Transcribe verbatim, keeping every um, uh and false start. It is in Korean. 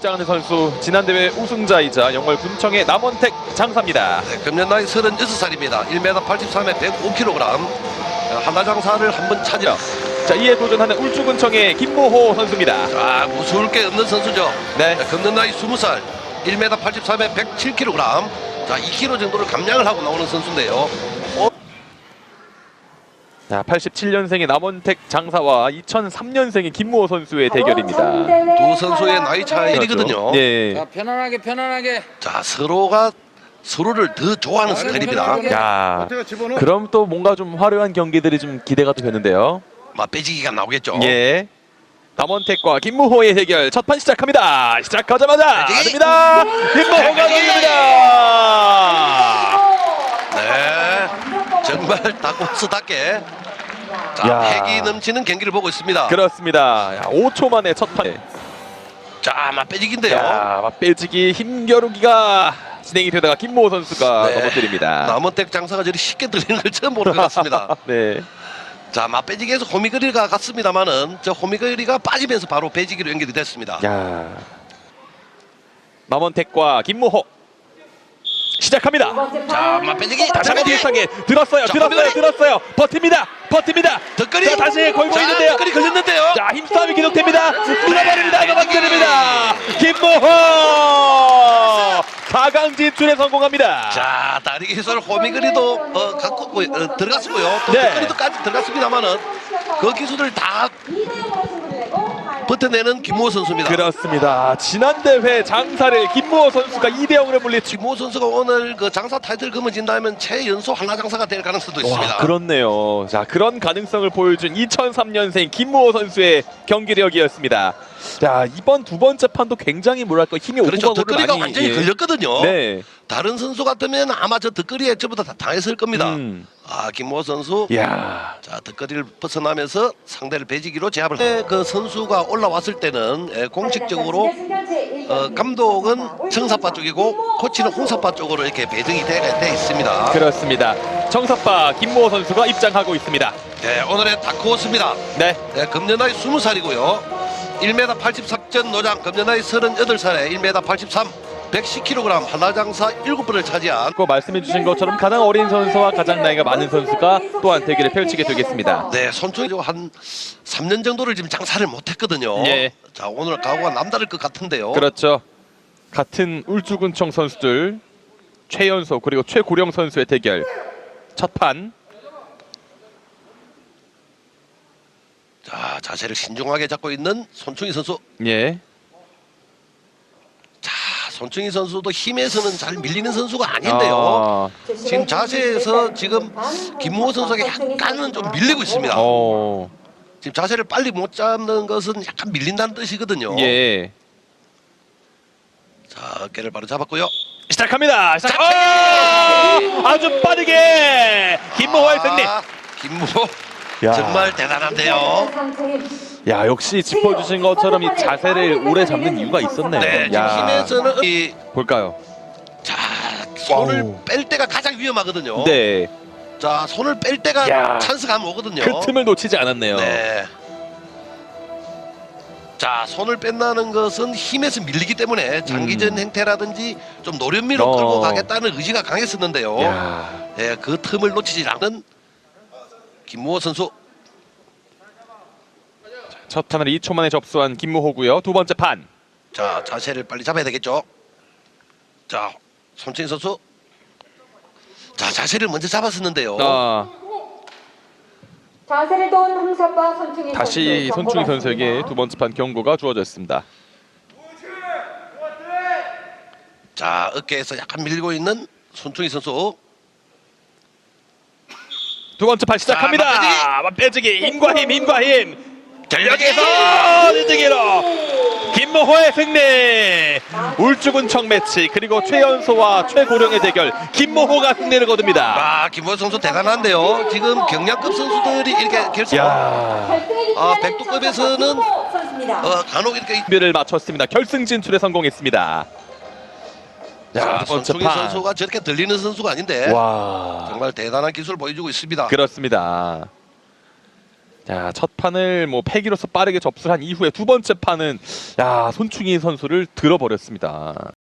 입장하는 선수 지난 대회 우승자이자 영월 군청의 남원택 장사입니다. 네, 금년 나이 서른여섯 살입니다. 일 미터 팔십삼에 백오 킬로그램. 하나 장사를 한번 차지라. 자, 이에 도전하는 울주군청의 김모호 선수입니다. 자, 무서울 게 없는 선수죠. 네. 네, 금년 나이 스무 살. 일 미터 팔십삼에 백칠 킬로그램. 자, 이 킬로그램 정도를 감량을 하고 나오는 선수인데요. 어? 자, 팔십칠 년생의 남원택 장사와 이천삼 년생의 김모호 선수의 대결입니다. 두 선수의 나이 차이거든요. 예. 자, 편안하게 편안하게. 자, 서로가 서로를 더 좋아하는 스타일입니다. 야, 그럼 또 뭔가 좀 화려한 경기들이 좀 기대가 또 되는데요. 막 빼지기가 나오겠죠. 예. 남원택과 김무호의 대결 첫 판 시작합니다. 시작하자마자 빼지기. 됩니다. 김무호가 빼지기. 넣습니다. 네, 정말 닭고스답게 자, 야. 패기 넘치는 경기를 보고 있습니다. 그렇습니다. 야, 오 초 만에 첫 판. 자, 막 빼지기인데요. 야, 빼지기 힘겨루기가 진행이 되다가 김무호 선수가 네. 넘어뜨립니다. 남원택 장사가 저리 쉽게 들리는 걸 처음 보는 것 같습니다. 네. 자, 맞배지기에서 호미거리가 갔습니다만은 저 호미거리가 빠지면서 바로 배지기로 연결이 됐습니다. 야. 남원택과 김무호 시작합니다. 자, 맞배지기 다시 한번 맞배지기. 뒤에 들었어요. 자, 들었어요. 호미거리. 들었어요. 버팁니다. 버팁니다. 덧거리. 자, 다시 걸고 자, 있는데요. 덧거리 걸렸는데요. 자, 힘싸움이 계속됩니다. 밀어버립니다. 네, 넘어뜨립니다. 김모호 사 강 진출에 성공합니다. 자, 다리 기술 호미거리도 어, 갖고 어, 들어갔고요. 또 네. 덧거리도까지 들어갔습니다만은 그 기술을 다 버텨내는 김무호 선수입니다. 그렇습니다. 지난 대회 장사를 김무호 선수가 이 대 영으로 물리치고. 김무호 선수가 오늘 그 장사 타이틀 금어진다면 최연소 한라 장사가 될 가능성도 있습니다. 와, 그렇네요. 자, 그런 가능성을 보여준 이천삼 년생 김무호 선수의 경기력이었습니다. 자, 이번 두 번째 판도 굉장히 뭐랄까 힘이 그렇죠. 오고가고를 덧거리가 많이 완전히 예. 걸렸거든요. 네. 다른 선수 같으면 아마 저 덧거리에 전부 다 당했을 겁니다. 음. 아, 김무호 선수. 야. 자, 덧거리를 벗어나면서 상대를 배지기로 제압을. 네, 그 선수가 올라왔을 때는 예, 공식적으로 어, 감독은 청사파 쪽이고 코치는 홍사파 쪽으로 이렇게 배정이 되어 돼 있습니다. 그렇습니다. 청사파 김무호 선수가 입장하고 있습니다. 네, 오늘의 다크호스입니다. 네. 네, 금년 나이 스무 살이고요. 일 미터 팔십삼 전 노장, 금년 나이 서른여덟 살에 일 미터 팔십삼, 백십 킬로그램 한라장사 일곱 번을 차지한. 그 말씀해 주신 것처럼 가장 어린 선수와 가장 나이가 많은 선수가 또한 대결을 펼치게 되겠습니다. 네, 손총이 한 삼 년 정도를 지금 장사를 못했거든요. 예. 자, 오늘 각오가 남다를 것 같은데요. 그렇죠. 같은 울주군청 선수들 최연소 그리고 최고령 선수의 대결 첫 판. 자, 자세를 신중하게 잡고 있는 손충희 선수. 예. 자, 손충희 선수도 힘에서는 잘 밀리는 선수가 아닌데요. 아, 지금 자세에서 지금 김무호 선수에게 약간은 좀 밀리고 있습니다. 어. 지금 자세를 빨리 못 잡는 것은 약간 밀린다는 뜻이거든요. 예. 자, 어깨를 바로 잡았고요. 시작합니다. 시작. 어! 아주 빠르게 김모호의 승리. 아, 김무호 야. 정말 대단한데요. 야, 역시 짚어주신 것처럼 이 자세를 오래 잡는 이유가 있었네요. 네, 지금 야. 힘에서는 이, 볼까요? 자, 손을 와우. 뺄 때가 가장 위험하거든요. 네. 자, 손을 뺄 때가 야. 찬스가 한번 오거든요. 그 틈을 놓치지 않았네요. 네. 자, 손을 뺀다는 것은 힘에서 밀리기 때문에 장기전 음. 행태라든지 좀 노련미로 어. 끌고 가겠다는 의지가 강했었는데요. 야. 네, 그 틈을 놓치지 않는 김무호 선수. 첫 판을 이 초 만에 접수한 김무호고요. 두 번째 판. 자, 자세를 빨리 잡아야 되겠죠. 자, 손충희 선수. 자, 자세를 먼저 잡았었는데요. 아, 자세를 도운 홍사파 손충희 다시 선수 손충희 경고 선수에게 받습니다. 두 번째 판 경고가 주어졌습니다. 자, 어깨에서 약간 밀리고 있는 손충희 선수. 두 번째 판 시작합니다. 자, 맞배지기 힘과 힘, 힘과 힘. 전력에서 뒤지기로 김무호의 승리. 울주군청 매치 그리고 최연소와 최고령의 대결 김무호가 승리를 거둡니다. 아, 김무호 선수 대단한데요. 지금 경량급 선수들이 이렇게 결승. 야, 아, 백두급에서는 선수입니다. 어, 간혹 이렇게 준비를 마쳤습니다. 결승 진출에 성공했습니다. 자, 두 번째 손충희 판. 선수가 저렇게 들리는 선수가 아닌데 와, 정말 대단한 기술을 보여주고 있습니다. 그렇습니다. 자, 첫 판을 뭐 패기로서 빠르게 접수를 한 이후에 두 번째 판은 야, 손충희 선수를 들어버렸습니다.